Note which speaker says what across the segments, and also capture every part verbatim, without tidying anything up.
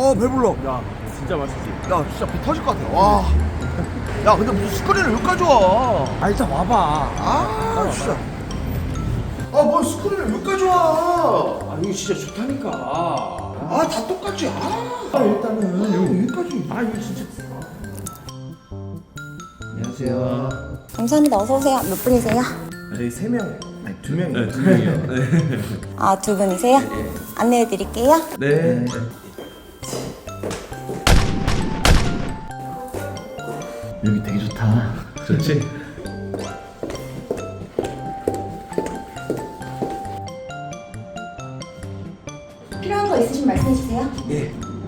Speaker 1: 어 배불러.
Speaker 2: 야 진짜 맛있지?
Speaker 1: 야 진짜 배 터질 것 같아. 와. 야 근데 무슨 스크린을 여기까지 와?
Speaker 2: 아 일단 와봐.
Speaker 1: 아 진짜. 아뭐 스크린을 여기까지 와?
Speaker 2: 아 이거 진짜 좋다니까.
Speaker 1: 아 다 똑같지. 아, 아 일단은 여기까지.
Speaker 2: 아 이거 진짜.
Speaker 1: 안녕하세요.
Speaker 3: 감사합니다. 어서 오세요. 몇 분이세요?
Speaker 1: 저희 세 명, 아니 두 명이요.
Speaker 2: 네, 두 명이요. 네.
Speaker 3: 아, 두 분이세요? 안내해 드릴게요.
Speaker 2: 네.
Speaker 1: 여기 되게 좋다.
Speaker 2: 좋지?
Speaker 3: 필요한 거 있으시면 말씀해 주세요.
Speaker 1: 예.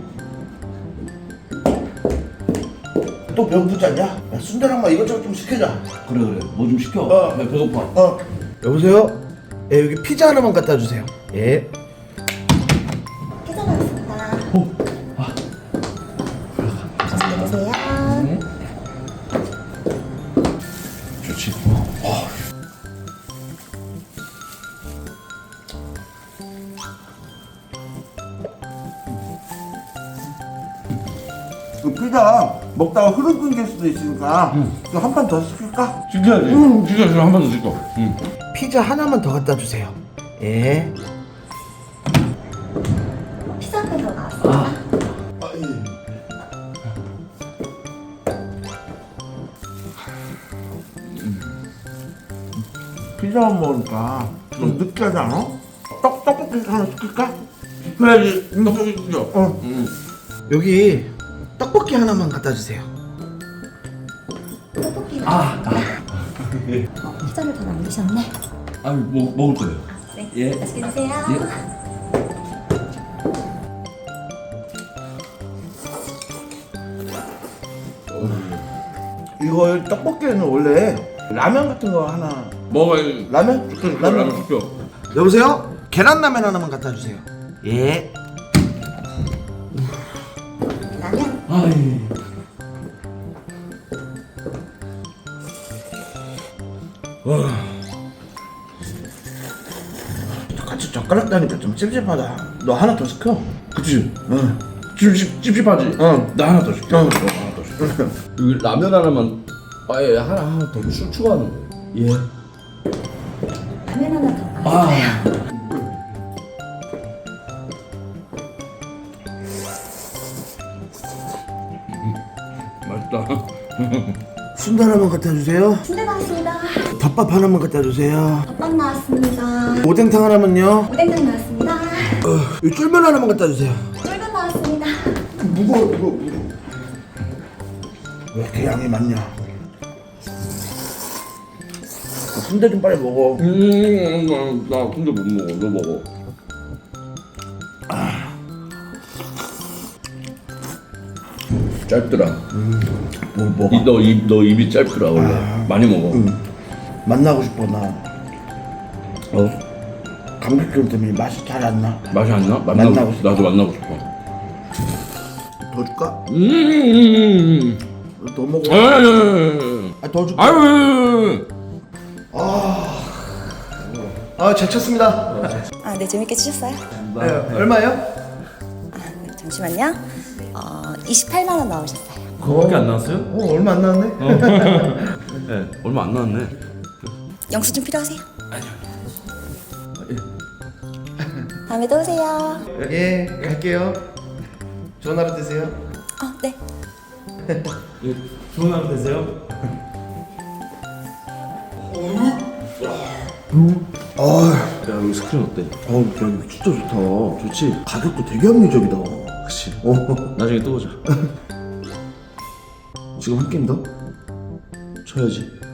Speaker 1: 또 배고프지 않냐? 야, 순대랑만 이것저것 좀 시켜자.
Speaker 4: 그래 그래 뭐 좀 시켜.
Speaker 1: 어.
Speaker 4: 나 배고파.
Speaker 1: 어. 여보세요? 예, 여기 피자 하나만 갖다 주세요. 예.
Speaker 3: 피자 나왔습니다.
Speaker 4: 어.
Speaker 3: 맛있게 드세요.
Speaker 4: 좋지. 어. 어.
Speaker 1: 그 피자 먹다가 흐름 끊길 수도 있으니까 한 판 더 시킬까?
Speaker 4: 진짜지. 응. 진짜 좀 한 번 더 시켜. 응.
Speaker 1: 피자 하나만 더 갖다 주세요. 예.
Speaker 3: 피자 한 팩으로 나왔습니다.
Speaker 1: 아, 예. 피자만 먹으니까 좀 느끼하지 않아? 떡, 떡볶이 하나 시킬까?
Speaker 4: 그래야지. 떡볶이 시켜.
Speaker 1: 어.
Speaker 4: 응.
Speaker 1: 여기 떡볶이 하나만 갖다 주세요.
Speaker 3: 떡볶이가
Speaker 4: 아,
Speaker 3: 나왔습니다. 어, 피자를 더 남기셨네.
Speaker 4: 아니 뭐 먹을 거예요.
Speaker 3: 네.
Speaker 4: 예.
Speaker 3: 맛있게 드세요.
Speaker 1: 이거 떡볶이에는 원래 라면 같은 거 하나.
Speaker 4: 먹어야지.
Speaker 1: 라면?
Speaker 4: 시켜,
Speaker 1: 라면.
Speaker 4: 라면 시켜.
Speaker 1: 여보세요? 계란라면 하나만 갖다 주세요. 예.
Speaker 3: 라면.
Speaker 4: 아이.
Speaker 1: 같이 젓가락 다니까 좀 찝찝하다. 너 하나 더 시켜.
Speaker 4: 그치.
Speaker 1: 응.
Speaker 4: 찝찝 찝찝하지.
Speaker 1: 응.
Speaker 4: 나 하나 더 시켜.
Speaker 1: 응.
Speaker 4: 너 하나 더 시켜. 여기 라면 하나만. 아예 하나 하나 더 추, 추가하는 거예요. 예.
Speaker 3: 라면 하나 더
Speaker 4: 아.
Speaker 3: 나왔어요.
Speaker 4: 맛있다.
Speaker 1: 순대 하나만 갖다 주세요.
Speaker 3: 순대 나왔습니다.
Speaker 1: 덮밥 하나만 갖다 주세요.
Speaker 3: 덮밥 나왔습니다.
Speaker 1: 오뎅탕 하나만요.
Speaker 3: 오뎅탕 나왔습니다.
Speaker 1: 어, 이 쫄면 하나만 갖다 주세요.
Speaker 3: 쫄면 나왔습니다.
Speaker 1: 무거워, 무거워, 무거워. 왜 이렇게 양이 많냐? 어, 순대 좀 빨리 먹어.
Speaker 4: 음, 나, 나 근데 못 먹어. 너 먹어. 짧더라.
Speaker 1: 뭐 먹어?
Speaker 4: 이, 너, 입, 너 입이 짧더라 원래. 많이 먹어.
Speaker 1: 응. 만나고 싶어 나.
Speaker 4: 어?
Speaker 1: 감기 기운 때문에 맛이 잘 안 나.
Speaker 4: 맛이 안 나? 만나고,
Speaker 1: 만나고
Speaker 4: 싶어. 나도 만나고 싶어.
Speaker 1: 더 줄까?
Speaker 4: 음.
Speaker 1: 더 먹어.
Speaker 4: 아유.
Speaker 1: 아, 더 줄까?
Speaker 4: 아유.
Speaker 1: 아, 잘 쳤습니다.
Speaker 3: 아, 네, 재밌게 치셨어요?
Speaker 1: 네, 얼마요?
Speaker 3: 아, 네, 잠시만요. 어, 이십팔만 원 나오셨어요.
Speaker 2: 그거밖에 안 나왔어요?
Speaker 1: 어, 얼마 안 나왔네.
Speaker 2: 네, 얼마 안 나왔네.
Speaker 3: 영수증 필요하세요? 다음에 또 오세요.
Speaker 1: 예, 갈게요. 좋은 하루 되세요.
Speaker 3: 어, 네.
Speaker 2: 예, 좋은 하루 되세요.
Speaker 1: 아,
Speaker 2: 야 여기 스크린 어때?
Speaker 1: 어, 야, 이거 진짜 좋다. 좋지? 가격도 되게 합리적이다.
Speaker 2: 그치.
Speaker 1: 어,
Speaker 2: 나중에 또 보자.
Speaker 1: 지금 한 게임 더? 쳐야지.